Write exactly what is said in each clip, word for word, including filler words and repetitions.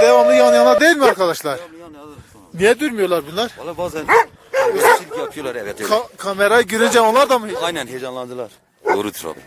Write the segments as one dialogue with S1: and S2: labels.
S1: devamlı yan yana değil mi arkadaşlar?
S2: Devamlı yan yana.
S1: Niye durmuyorlar bunlar?
S2: Valla bazen silgi yapıyorlar evet. evet.
S1: Ka kamerayı görünce onlar da mı?
S2: Aynen heyecanlandılar. Doğrudur abi.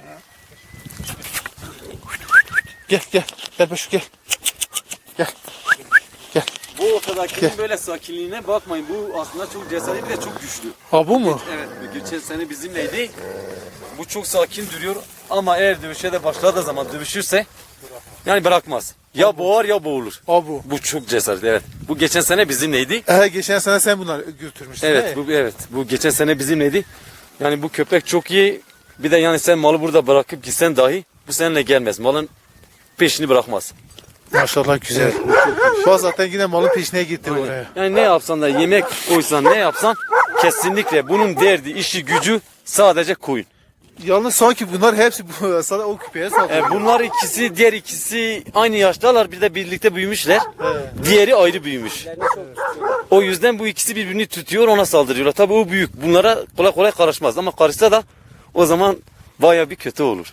S1: Gel gel. Gel Beşik gel. Gel. Gel.
S3: Bu ortadakinin böyle sakinliğine bakmayın. Bu aslında çok cesaretli ve çok güçlü.
S1: Ha bu mu?
S3: Evet, geçen sene bizimleydi. Bu çok sakin duruyor ama eğer dövüşe de başladığı zaman dövüşürse yani bırakmaz. Ya boğar ya boğulur.
S1: Ha bu.
S3: Bu çok cesaretli evet. Bu geçen sene bizimleydi.
S1: Ee, geçen sene sen bunları götürmüştün.
S3: Evet,
S1: he?
S3: bu evet. Bu geçen sene bizimleydi. Yani bu köpek çok iyi. Bir de yani sen malı burada bırakıp gitsen dahi bu seninle gelmez. Malın peşini bırakmaz.
S1: Maşallah güzel. Bak zaten yine malın peşine gitti oraya.
S3: Yani ne yapsan da yemek koysan ne yapsan kesinlikle bunun derdi, işi, gücü sadece koyun.
S1: Yalnız sanki bunlar hepsi bu, sana o küpeye saldırıyor.
S3: E, bunlar ikisi, diğer ikisi aynı yaştalar. Bir de birlikte büyümüşler. Diğeri ayrı büyümüş. O yüzden bu ikisi birbirini tutuyor, ona saldırıyorlar. Tabii o büyük. Bunlara kolay kolay karışmaz. Ama karışsa da o zaman baya bir kötü olur.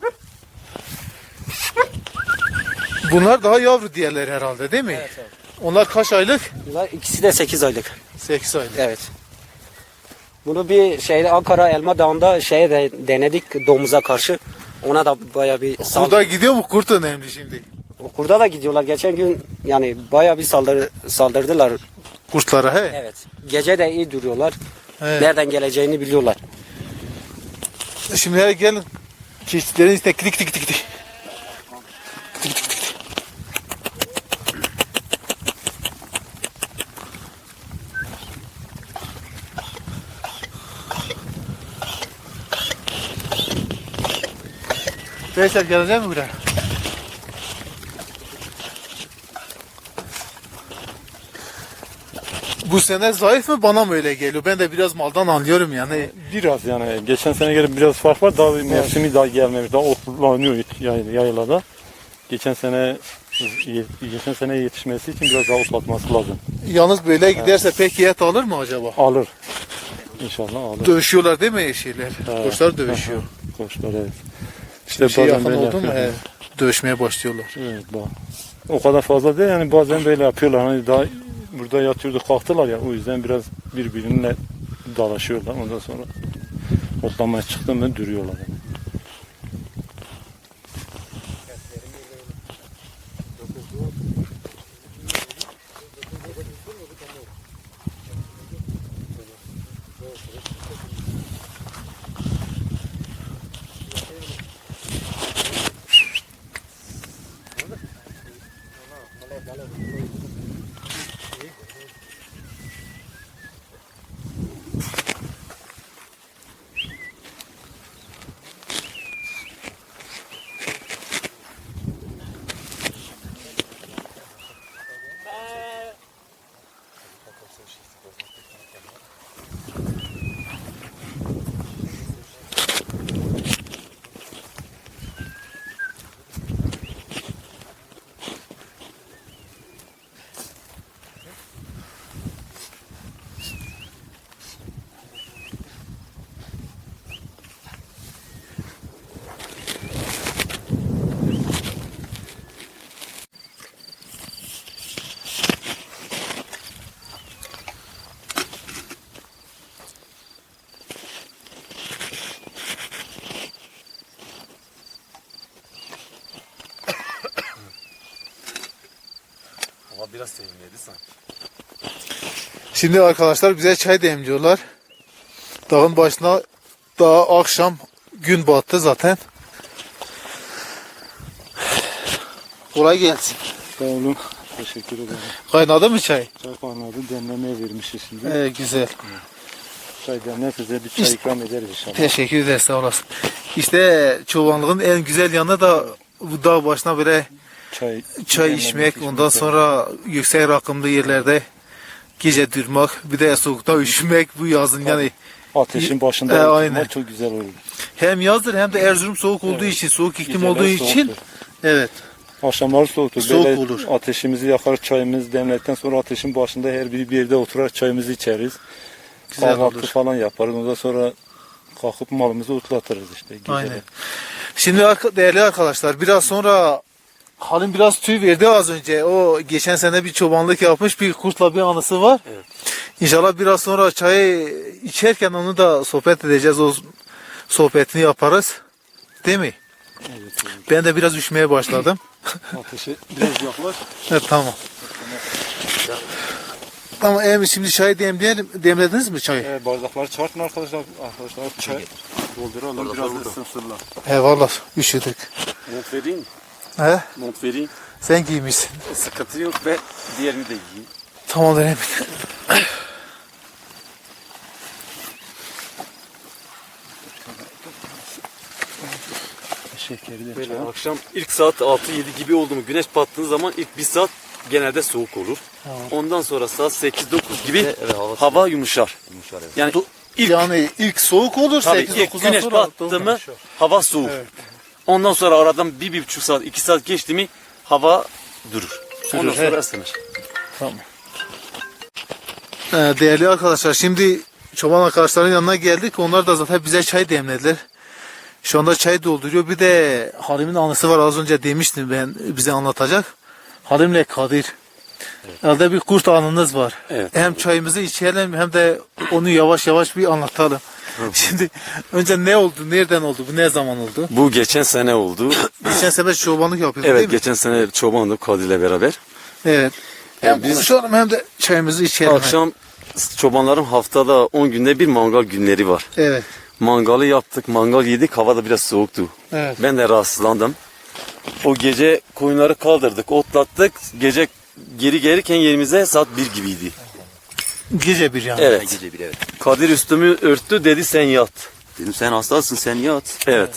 S1: Bunlar daha yavru diğerleri herhalde değil mi?
S4: Evet, evet.
S1: Onlar kaç aylık?
S4: Bunlar ikisi de sekiz aylık.
S1: sekiz aylık.
S4: Evet. Bunu bir şeyde Ankara Elma Dağı'nda şeye de denedik domuza karşı. Ona da baya bir saldırı.
S1: Burada gidiyor mu kurt önemli şimdi?
S4: Kurda da gidiyorlar. Geçen gün yani baya bir saldırı saldırdılar.
S1: Kurtlara he?
S4: Evet. Gece de iyi duruyorlar.
S1: He.
S4: Nereden geleceğini biliyorlar.
S1: Şimdi hele gelin. Keçilerin içine klik klik klik klik. Veysel gelecek mi buraya? Bu sene zayıf mı bana mı öyle geliyor? Ben de biraz maldan anlıyorum yani.
S5: Biraz yani geçen sene göre biraz fark var. Daha bir mevsimi daha gelmemiş. Daha otlanıyor yay- yaylada. Geçen sene geçen sene yetişmesi için biraz daha otlatması lazım.
S1: Yalnız böyle giderse peki et alır mı acaba?
S5: Alır. İnşallah alır.
S1: Dövüşüyorlar değil mi şeyler? Kuşlar dövüşüyor.
S5: Koçlar evet. İşte
S1: Bir şey
S5: bazen
S1: yakın
S5: böyle
S1: oldu mu?
S5: yapıyorlar.
S1: He, dövüşmeye başlıyorlar.
S5: Evet bak. O kadar fazla değil yani bazen böyle yapıyorlar. Hani daha burada yatıyordu kalktılar ya o yüzden biraz birbirine dalaşıyorlar. Ondan sonra otlamaya çıktı mı duruyorlar. Yani.
S3: Ama biraz sevimliydi sanki.
S1: Şimdi arkadaşlar bize çay demliyorlar. Dağın başına daha akşam gün battı zaten. Kolay gelsin.
S5: Sağ olun. Teşekkür ederim.
S1: Kaynadı mı çay?
S5: Çay kaynadı demlemeye vermişiz şimdi.
S1: Ee, güzel.
S5: Çay demler size bir çay
S1: İşte-
S5: ikram ederiz inşallah.
S1: Teşekkür ederiz sağ olasın. İşte çobanlığın en güzel yanı da bu dağ başına böyle
S5: Çay,
S1: çay
S5: demlemek,
S1: içmek,
S5: içmek.
S1: ondan sonra yüksek rakımlı yerlerde gece durmak, bir de soğukta üşümek bu yazın yani
S5: Ateşin başında
S1: E,
S5: oturmak
S1: aynen.
S5: çok güzel olur.
S1: hem yazdır hem de Erzurum soğuk olduğu için, soğuk iklim
S5: Geceler
S1: olduğu için
S5: soğuktur.
S1: evet.
S5: Akşamları soğuktur.
S1: Soğuk
S5: Böyle
S1: olur.
S5: ateşimizi yakar, çayımızı demledikten sonra ateşin başında her biri bir yerde oturar çayımızı içeriz.
S1: Güzel
S5: Kahvaltı
S1: olur.
S5: falan yaparız. Ondan sonra kalkıp malımızı otlatırız işte. Geceleri.
S1: Aynen. Şimdi arka- değerli arkadaşlar biraz sonra Halim biraz tüy verdi az önce. O geçen sene bir çobanlık yapmış, bir kurtla bir anısı var.
S3: Evet.
S1: İnşallah biraz sonra çayı içerken onu da sohbet edeceğiz. O sohbetini yaparız. Değil mi?
S5: Evet.
S1: Ben de biraz üşümeye başladım.
S5: Ateşe biraz yaklaş.
S1: Evet, tamam. Tamam, Emin, şimdi çayı demleyelim. Demlediniz mi çayı?
S5: Evet, bardakları çıkartın arkadaşlar. Arkadaşlar çay dolduralım. Biraz da ısınsınlar.
S1: Eyvallah, üşüdük.
S3: Mont vereyim mi?
S1: He?
S3: Mont vereyim.
S1: Sen giymişsin.
S3: Sıkıntı yok ve diğerini de giyeyim.
S1: Tamam Emin.
S5: Şekeri de
S3: Böyle akşam ilk saat altı yedi gibi oldu mu güneş battığı zaman ilk bir saat genelde soğuk olur. Ondan sonra saat sekiz dokuz gibi
S2: Evet, hava
S3: hava yumuşar.
S2: Yumuşar, evet.
S3: Yani ilk
S1: Yani ilk soğuk olur,
S3: tabii
S1: sekiz
S3: ilk
S1: dokuzdan
S3: güneş
S1: sonra.
S3: battı mı hava soğuk. Ondan sonra aradan bir, bir buçuk saat, iki saat geçti mi hava durur. Ondan sonra ısınır.
S1: Ee, Değerli arkadaşlar, şimdi çoban arkadaşların yanına geldik. Onlar da zaten bize çay demlediler. Şu anda çay dolduruyor. Bir de Halim'in anısı var, az önce demiştim ben, bize anlatacak. Halim'le Kadir. Elde bir kurt anınız var.
S3: Evet.
S1: Hem çayımızı içelim hem de onu yavaş yavaş bir anlatalım. Şimdi önce ne oldu, nereden oldu, bu ne zaman oldu?
S3: Bu geçen sene oldu.
S1: Geçen sefer çobanlık yapıyorduk
S3: Evet
S1: değil mi?
S3: geçen sene çobandık Kadir'le beraber.
S1: Evet. Hem
S3: biz-
S1: konuşalım hem de çayımızı içelim.
S3: Akşam çobanların haftada on günde bir mangal günleri var.
S1: Evet.
S3: Mangalı yaptık, mangal yedik, hava da biraz soğuktu.
S1: Evet.
S3: Ben de rahatsızlandım. O gece koyunları kaldırdık, otlattık. Gece geri gelirken yerimize saat bir gibiydi.
S1: Gece bir yani.
S3: Evet.
S2: Gece bir, evet.
S3: Kadir üstümü örttü, dedi sen yat.
S2: Dedim sen hastasın, sen yat.
S3: Evet.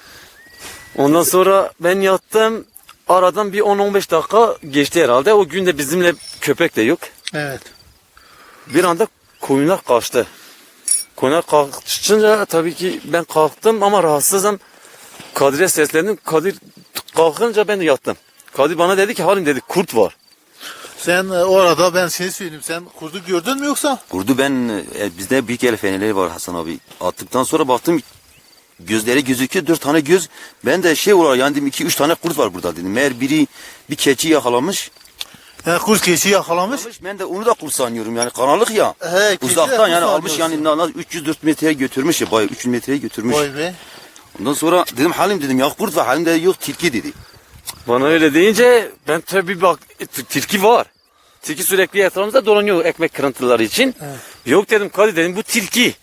S3: Ondan sonra ben yattım. Aradan bir on on beş dakika geçti herhalde. O gün de bizimle köpek de yok.
S1: Evet.
S3: Bir anda koyunlar kaçtı. Koyunlar kaçınca tabii ki ben kalktım ama rahatsızım. Kadir'e seslendim. Kadir kalkınca ben de yattım. Kadir bana dedi ki Halim dedi kurt var.
S1: Sen e, o arada ben şey söyleyeyim, sen kurdu gördün mü yoksa?
S2: Kurdu ben, e, bizde büyük el fenerleri var Hasan abi. Attıktan sonra baktım gözleri gözüküyor, dört tane göz. Ben de şey olarak yani dedim iki üç tane kurt var burada dedim. Meğer biri bir keçi yakalamış.
S1: Yani kurt keçi yakalamış.
S2: Ben de onu da kurt sanıyorum yani karanlık ya.
S1: He, keçi de
S2: Uzaktan
S1: kurt
S2: yani almış
S1: sanıyorsun.
S2: yani na- na- üç yüz dört metreye götürmüş ya, bayağı üç yüz metreye götürmüş.
S1: Vay be.
S2: Ondan sonra dedim Halim dedim ya kurt var, Halim de yok tilki dedi.
S3: Bana öyle deyince ben tabii bak t- tilki var. Tilki sürekli etrafımızda dolanıyor ekmek kırıntıları için. Yok dedim Kadir dedim bu tilki.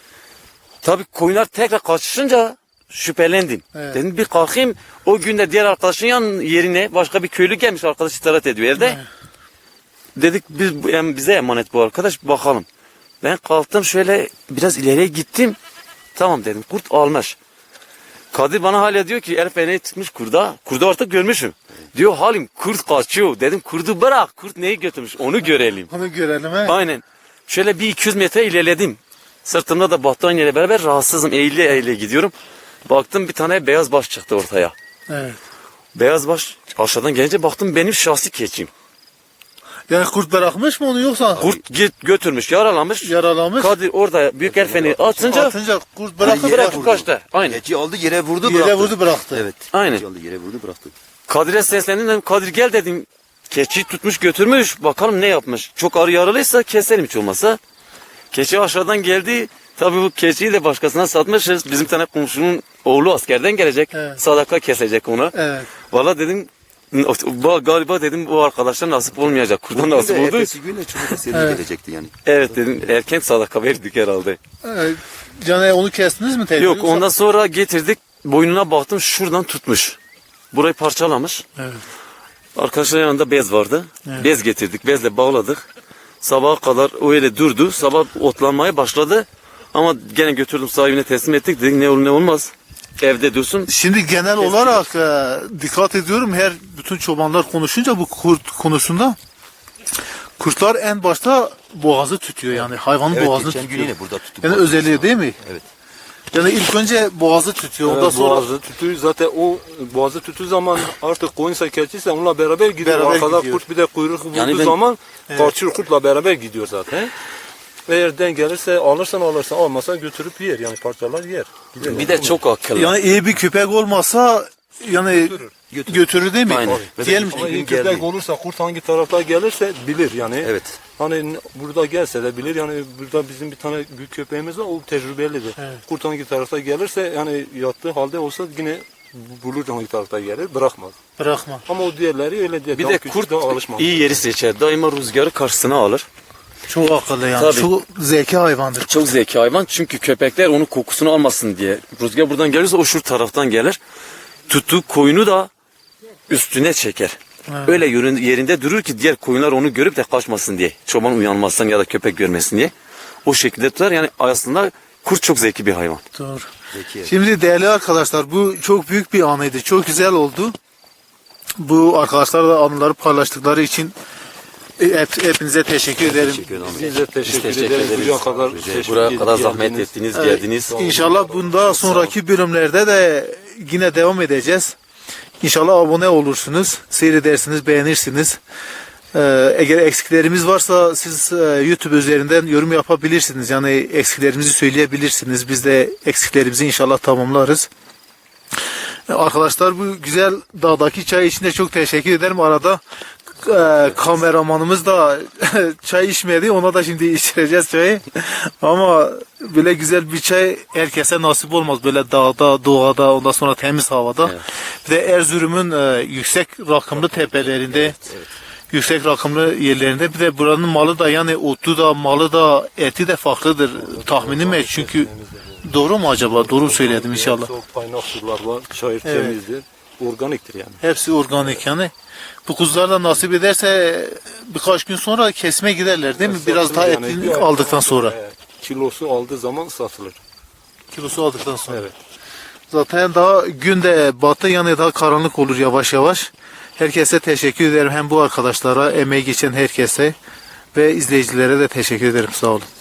S3: Tabii koyunlar tekrar kaçışınca şüphelendim.
S1: Evet.
S3: Dedim bir kalkayım. O gün de diğer arkadaşın yan yerine başka bir köylü gelmiş, arkadaş istirahat ediyor evde. Dedik biz bu- em- bize emanet bu arkadaş, bakalım. Ben kalktım şöyle biraz ileriye gittim. Tamam dedim kurt almış. Kadir bana hala diyor ki el feneği tıkmış kurda. Kurdu artık görmüşüm. Diyor Halim kurt kaçıyor. Dedim kurdu bırak, kurt neyi götürmüş onu görelim.
S1: Onu görelim he.
S3: Aynen. Şöyle bir iki yüz metre ilerledim. Sırtımda da battaniye ile beraber rahatsızım. Eğile eğile gidiyorum. Baktım bir tane beyaz baş çıktı ortaya.
S1: Evet.
S3: Beyaz baş aşağıdan gelince baktım benim şahsi keçim.
S1: Yani kurt bırakmış mı onu yoksa?
S3: Kurt git götürmüş, yaralamış.
S1: Yaralamış.
S3: Kadir orada büyük el feneği atınca
S1: Atınca kurt bırakıp
S2: yere
S3: bırakıp
S2: vurdu.
S3: kaçtı. Aynen.
S2: Keçi aldı yere vurdu
S1: Yere
S2: bıraktı.
S1: vurdu bıraktı.
S2: Evet.
S3: Aynen.
S2: Keçi aldı yere vurdu bıraktı.
S3: Kadir'e seslendim dedim Kadir gel dedim. Keçi tutmuş götürmüş. Bakalım ne yapmış. Çok ağır yaralıysa keselim hiç olmazsa. Keçi aşağıdan geldi. Tabii bu keçiyi de başkasına satmışız. Bizim tane komşunun oğlu askerden gelecek.
S1: Evet.
S3: Sadaka kesecek ona.
S1: Evet.
S3: Valla dedim "Ba- galiba dedim bu arkadaşlar nasip olmayacak. Kurdan nasip
S2: Bugün de
S3: oldu.
S2: ertesi gün de çubuk eseri
S1: Evet.
S2: gelecekti yani.
S3: Evet dedim erken sadaka verdik herhalde.
S1: Evet. Canı onu kestiniz mi tekrar?
S3: Yok
S1: yoksa-
S3: ondan sonra getirdik. Boynuna baktım şuradan tutmuş. Burayı parçalamış.
S1: Evet.
S3: Arkadaşlar yanında bez vardı. Bez getirdik. Bezle bağladık. Sabaha kadar öyle durdu. Sabah otlanmaya başladı. Ama gene götürdüm sahibine teslim ettik. Dedik ne olur ne olmaz. Evde dursun.
S1: Şimdi genel olarak e, dikkat ediyorum, her bütün çobanlar konuşunca bu kurt konusunda kurtlar en başta boğazı tutuyor, yani hayvanın
S2: Evet
S1: boğazını
S2: geçen gün
S1: tutuyor.
S2: yine burada tuttuk.
S1: Yani özelliği değil mi?
S2: Evet.
S1: Yani ilk önce boğazı tutuyor, ondan
S5: Evet,
S1: sonra
S5: boğazı tutuyor. Zaten o boğazı tuttuğu zaman artık koyunsa keçiyse onunla beraber gidiyor.
S1: Beraber
S5: Arkada
S1: gidiyor.
S5: kurt bir de kuyruk vurduğu
S3: Yani ben-
S5: zaman kaçıyor, kurtla beraber gidiyor zaten. Eğer denk gelirse alırsan alırsan, almasa götürüp yer yani parçalar yer. Gider.
S3: Bir de çok akıllı.
S1: yani iyi bir köpek olmasa yani
S2: Götür.
S1: götürür değil mi?
S3: Aynen.
S1: Diyelim
S5: Ama
S2: Bir
S5: iyi
S2: gün
S5: köpek
S2: geldi.
S5: olursa kurt hangi tarafta gelirse bilir yani.
S2: Evet.
S5: Hani n- burada gelse de bilir yani burada bizim bir tane büyük köpeğimiz var o tecrübelidir. Kurt hangi tarafta gelirse yani yattığı halde olsa yine bulur hangi tarafta gelir bırakmaz.
S1: bırakma.
S5: Ama o diğerleri öyle değil.
S3: Bir
S5: Daha
S3: de
S5: küçük,
S3: kurt
S5: daha alışmamış.
S3: iyi yeri seçer. Daima rüzgarı karşısına alır.
S1: Çok akıllı yani.
S3: Tabii.
S1: Çok zeki hayvandır.
S3: Çok zeki hayvan çünkü köpekler onun kokusunu almasın diye. Rüzgar buradan gelirse o şu taraftan gelir. Tuttuğu koyunu da üstüne çeker. Öyle yürün- yerinde durur ki diğer koyunlar onu görüp de kaçmasın diye. Çoban uyanmasın ya da köpek görmesin diye. O şekilde tutar. Yani aslında kurt çok zeki bir hayvan.
S1: Doğru.
S2: Zeki.
S1: Şimdi değerli arkadaşlar bu çok büyük bir anıydı. Çok güzel oldu. Bu arkadaşlarla anıları paylaştıkları için e, hep, hepinize teşekkür ederim.
S2: Teşekkür ederim.
S5: Biz de teşekkür,
S3: teşekkür
S5: ederiz.
S3: ederiz.
S5: Buraya kadar, teşekkür
S3: Buraya kadar zahmet
S5: geldiniz.
S3: ettiniz, geldiniz.
S1: İnşallah bunda sonraki bölümlerde de yine devam edeceğiz. İnşallah abone olursunuz, seyredersiniz, beğenirsiniz. Ee, eğer eksiklerimiz varsa siz e, YouTube üzerinden yorum yapabilirsiniz. Yani eksiklerimizi söyleyebilirsiniz. Biz de eksiklerimizi inşallah tamamlarız. Ee, Arkadaşlar bu güzel dağdaki çay için de çok teşekkür ederim. Arada e, kameramanımız da çay içmedi. Ona da şimdi içireceğiz çayı. Ama böyle güzel bir çay herkese nasip olmaz. Böyle dağda, doğada, ondan sonra temiz havada. Bir de Erzurum'un e, yüksek rakımlı tepelerinde, yüksek rakımlı yerlerinde. Bir de buranın malı da yani otu da, malı da, eti de farklıdır. Tahminim et çünkü doğru mu acaba? Doğru mu söyledim inşallah.
S5: Çok kaynak sular var. Çayır
S1: Evet.
S5: temizdir. Organiktir yani.
S1: Hepsi organik yani. Bu kuzular da nasip ederse birkaç gün sonra kesme giderler değil mi? Biraz daha
S5: Yani
S1: etini
S5: bir ay
S1: aldıktan sonra.
S5: e, Kilosu aldığı zaman satılır.
S1: Kilosu aldıktan sonra.
S5: Evet.
S1: Zaten daha gün de batı yani daha karanlık olur yavaş yavaş. Herkese teşekkür ederim. Hem bu arkadaşlara, emeği geçen herkese ve izleyicilere de teşekkür ederim. Sağ olun.